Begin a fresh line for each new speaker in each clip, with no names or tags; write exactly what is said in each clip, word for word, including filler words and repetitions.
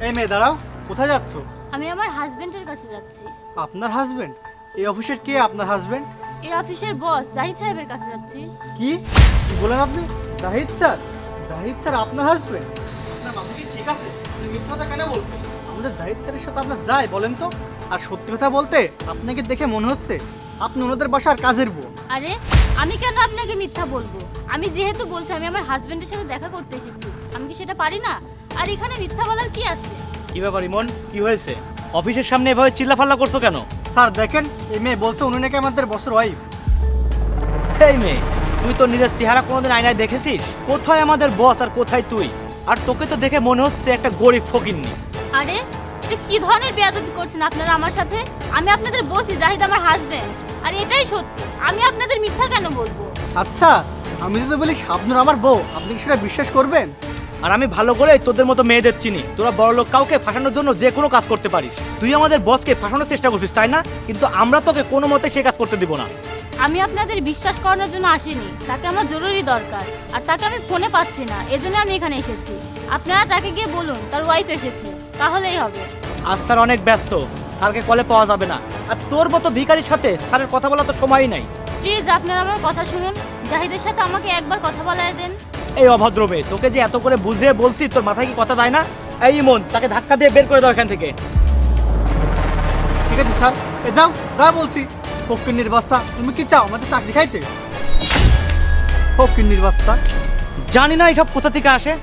এই মেয়ে দাঁড়াও, কোথায় যাচ্ছ?
আমি আমার হাজবেন্ডের কাছে যাচ্ছি।
আপনার হাজবেন্ড? এই অফিসের কে আপনার হাজবেন্ড?
এই অফিসের বস জাহিদ সাহেবের কাছে যাচ্ছি।
কি কি বলেন আপনি? জাহিদ স্যার? জাহিদ স্যার আপনার হাজবেন্ড? আপনার মাথা কি ঠিক আছে? আপনি মিথ্যা কথা কেন বলছেন? আমাদের জাহিদ স্যারের সাথে আপনার যায় বলেন তো? আর সত্যি কথা বলতে আপনাকে দেখে মনে হচ্ছে আপনি ওনাদের বাসার কাজের বউ।
আরে আমি কেন আপনাকে মিথ্যা বলবো? আমি যেহেতু বলছি আমি আমার হাজবেন্ডের সাথে দেখা করতে এসেছি, আমি কি সেটা পারি না? আর এখানে মিথ্যা বলার কি আছে?
কি ব্যাপার ইমন, কি হয়েছে? অফিসের সামনে এভাবে চিল্লাফাল্লা করছো কেন?
স্যার দেখেন, এই মেয়ে বলছে উনি নাকি আমাদের বসের ওয়াইফ।
এই মেয়ে, তুই তো নিজের চেহারা কোনোদিন আয়নায় দেখেছিস? কোথায় আমাদের বস আর কোথায় তুই? আর তোকে তো দেখে মনে হচ্ছে একটা গরিব ফকিন্নি।
আরে এটা কি ধরনের বেয়াদবি করছেন আপনারা আমার সাথে? আমি আপনাদের বলছি জাহিদ আমার হাজবেন্ড, আর এটাই সত্যি। আমি আপনাদের মিথ্যা কেন বলবো?
আচ্ছা, আমি যদি বলি শাবনূর আমার বউ, আপনি কি সেটা বিশ্বাস করবেন?
আর আমি ভালো করে তোদের মতো মেয়েদের চিনি, তোরা বড়লোক কাউকে ফাঁসানোর জন্য যে কোনো কাজ করতে পারিস। তুই আমাদের বসকে ফাঁসানোর চেষ্টা করছিস, তাই না? কিন্তু আমরা তোকে কোনো মতে সে কাজ করতে দিব না।
আমি আপনাদের বিশ্বাস করানোর জন্য আসিনি, তাকে আমার জরুরি দরকার, আর তাকে আমি ফোনে পাচ্ছি না, এজন্য আমি এখানে এসেছি। আপনারা তাকে গিয়ে বলুন তার ওয়াইফ এসেছে, তাহলেই হবে।
আজ স্যার অনেক ব্যস্ত, স্যারকে কলে পাওয়া যাবে না। আর তোর মতো ভিখারির সাথে স্যারের কথা বলা তো সময়ই নাই।
প্লিজ আপনারা আমার কথা শুনুন, জাহিদের সাথে আমাকে একবার কথা বলায় দেন।
এই অভদ্র মেয়ে, তোকে যে এত করে বুঝিয়ে বলছি, তোর মাথায় কি কথা যায় না? এই ইমন, তাকে ধাক্কা দিয়ে বের করে দাও এখান থেকে।
ঠিক আছে স্যার, এ যাও যা বলছি। ফকিন্নির বাচ্চা, তুমি কি চাও আমাদের চাকরি খাইতে? ফকিন্নির বাচ্চা।
জানি না এইসব কোথা থেকে আসে।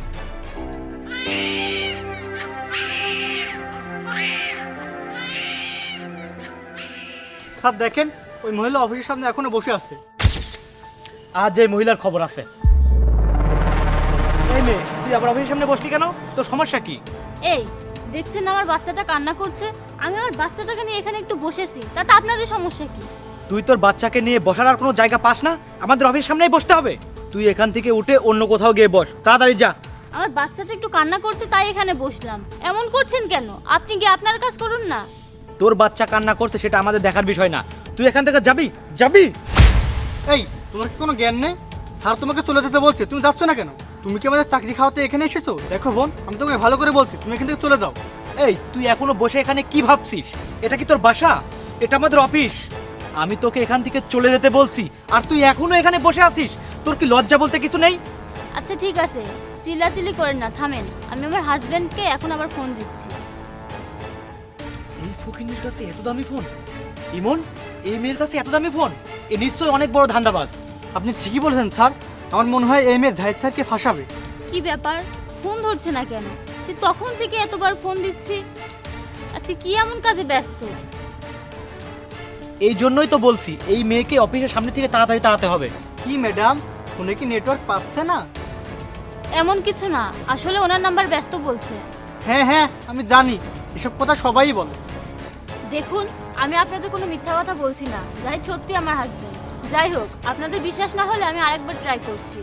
স্যার দেখেন, ওই মহিলা অফিসের সামনে এখনো বসে আছে।
আজ এই মহিলার খবর আছে। এই মেয়ে, তুই আবার অফিসের সামনে বসলি কেন? তোর সমস্যা কি?
এই দেখছেন না আমার বাচ্চাটা কান্না করছে, আমি আমার বাচ্চাটাকে নিয়ে এখানে একটু বসেছি, তাতে আপনাদের সমস্যা কি?
তুই তোর বাচ্চাকে নিয়ে বসার আর কোনো জায়গা পাস না? আমাদের অফিসের সামনেই বসতে হবে? তুই এখান থেকে উঠে অন্য কোথাও গিয়ে বস, তাড়াতাড়ি যা।
আমার বাচ্চাটা একটু কান্না করছে তাই এখানে বসলাম। এমন করছেন কেন? আপনি গিয়ে আপনার কাজ করুন না।
তোর বাচ্চা কান্না করছে সেটা আমাদের দেখার বিষয় না। তুই এখান থেকে যাবি যাবি
এই, তোমার কি কোনো জ্ঞান নেই? স্যার তোমাকে চলে যেতে বলছে, তুমি যাচ্ছ না কেন? তুমি কি আমাদের চাকরি খাওয়াতে এখানে এসেছো? দেখো বোন, আমি তোমাকে ভালো করে বলছি, তুমি এখান থেকে চলে যাও।
এই, তুই এখনো বসে এখানে কি ভাবছিস? এটা কি তোর বাসা? এটা আমাদের অফিস। আমি তোকে এখান থেকে চলে যেতে বলছি, আর তুই এখনো এখানে বসে আছিস। তোর কি লজ্জা বলতে কিছু নেই?
আচ্ছা ঠিক আছে, চিল্লাচিল্লি করেন না, থামেন। আমি আমার হাজবেন্ডকে এখন আবার ফোন দিচ্ছি।
এই ফকিন্নির কাছে এত দামি ফোন? ইমন, এই মেয়ের কাছে এত দামি ফোন? এ নিশ্চয়ই অনেক বড় ধান্দাবাজ।
আপনি ঠিকই বলেছেন স্যার, আমার মনে হয় এই মেয়ে জাহিদ স্যারকে ফাঁসাবে।
কি ব্যাপার, ফোন ধরছে না কেন? সে তখন থেকে এতবার ফোন দিচ্ছি। আচ্ছা কি এমন কাজে ব্যস্ত?
এই জন্যই তো বলছি এই মেয়েকে অফিসের সামনে থেকে তাড়াতাড়ি তাড়াতে হবে।
কি ম্যাডাম, ফোনে কি নেটওয়ার্ক পাচ্ছে না?
এমন কিছু না, আসলে ওনার নাম্বার ব্যস্ত বলছে।
হ্যাঁ হ্যাঁ, আমি জানি, এসব কথা সবাই বলে।
দেখুন, আমি আপনাদের কোনো মিথ্যা কথা বলছি না, যাই সত্যি আমার হাজবেন্ড। যাই হোক, আপনাদের বিশ্বাস না হলে আমি আরেকবার ট্রাই করছি।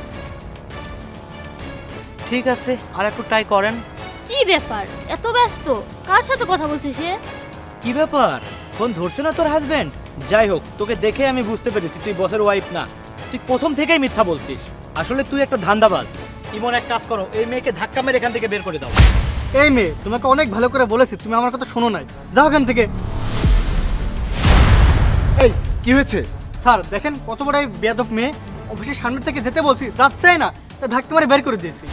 ঠিক আছে, আর একটু ট্রাই করেন।
কি ব্যাপার, এত ব্যস্ত? কার সাথে কথা বলছে সে?
কি ব্যাপার, ফোন ধরছে না তোর হাজবেন্ড? যাই হোক, তোকে দেখে আমি বুঝতে পেরেছি তুই বসের ওয়াইফ না। তুই প্রথম থেকেই মিথ্যা বলছিস। আসলে তুই একটা ধান্দাবাজ। ইমন, এক কাজ করো, এই মেয়েকে ধাক্কা মেরে এখান থেকে বের করে দাও।
এই মেয়ে, তোমাকে অনেক ভালো করে বলেছি, তুমি আমার কথা শোনো নাই। যাও এখান থেকে।
এই কি হয়েছে?
স্যার দেখেন, কত বড় এই বেয়াদব মেয়ে, অফিসের সামনে থেকে যেতে বলছি, যাচ্ছেই না, তা ধাক্কা মারে বের করে দিয়েছি।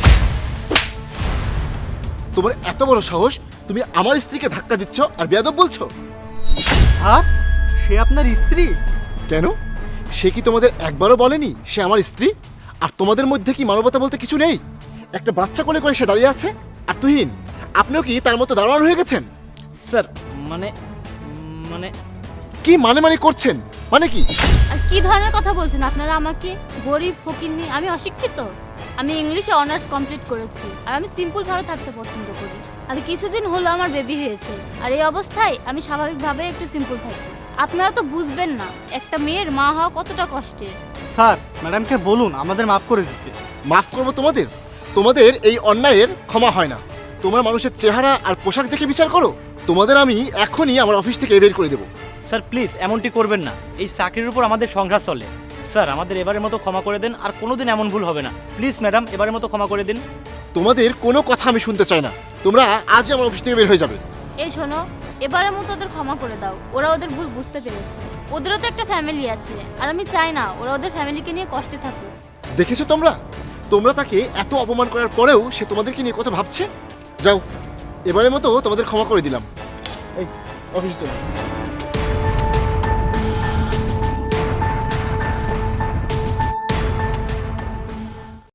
তোমার এত বড় সাহস, তুমি আমার স্ত্রীকে ধাক্কা দিচ্ছ আর বেয়াদব বলছো?
হ্যাঁ, সে আপনার স্ত্রী?
কেন, সে কি তোমাদের একবারও বলেনি সে আমার স্ত্রী? আর তোমাদের মধ্যে কি মানবতা বলতে কিছু নেই? একটা বাচ্চা কোলে করে সে দাঁড়িয়ে আছে, আর তুহিন আপনিও কি তার মতো দাঁড়ানো হয়ে গেছেন?
স্যার মানে মানে
কি মানে মানে করছেন? মানে কি?
আর কি ধরনের কথা বলছেন আপনারা আমাকে? গরিব ফকিন্নি? আমি অশিক্ষিত? আমি ইংলিশে অনার্স কমপ্লিট করেছি, আর আমি সিম্পল ভাবে থাকতে পছন্দ করি। আর কিছুদিন হলো আমার বেবি হয়েছে, আর এই অবস্থায় আমি স্বাভাবিকভাবে একটু সিম্পল থাকি। আপনারা তো বুঝবেন না একটা মেয়ের মা হওয়া কতটা কষ্টের।
স্যার, ম্যাডামকে বলুন আমাদের মাফ করে দিতে।
মাফ করবো তোমাদের? তোমাদের এই অন্যায়ের ক্ষমা হয় না। তোমরা মানুষের চেহারা আর পোশাক দেখে বিচার করো। তোমাদের আমি এখনই আমার অফিস থেকে বের করে দেবো।
স্যার প্লিজ এমনটি করবেন না, এই চাকরির উপর আমাদের সংঘাত চলে। স্যার আমাদের এবারের মতো ক্ষমা করে দিন, আর কোনোদিন এমন ভুল হবে না। প্লিজ ম্যাডাম, এবারের মতো ক্ষমা করে দিন।
তোমাদের কোনো কথা আমি শুনতে চাই না। তোমরা আজই আমার অফিস থেকে বের হয়ে যাবে।
এই শোনো, এবারের মতো ওদের ক্ষমা করে দাও, ওরা ওদের ভুল বুঝতে পেরেছে। ওদেরও তো একটা ফ্যামিলি আছে, আর আমি চাই না ওরা ওদের ফ্যামিলিকে নিয়ে কষ্টে থাকুক।
দেখেছো তোমরা তোমরা তাকে এত অপমান করার পরেও সে তোমাদেরকে নিয়ে কত ভাবছে। যাও, এবারের মতো তোমাদের ক্ষমা করে দিলাম। এই অফিস চলো।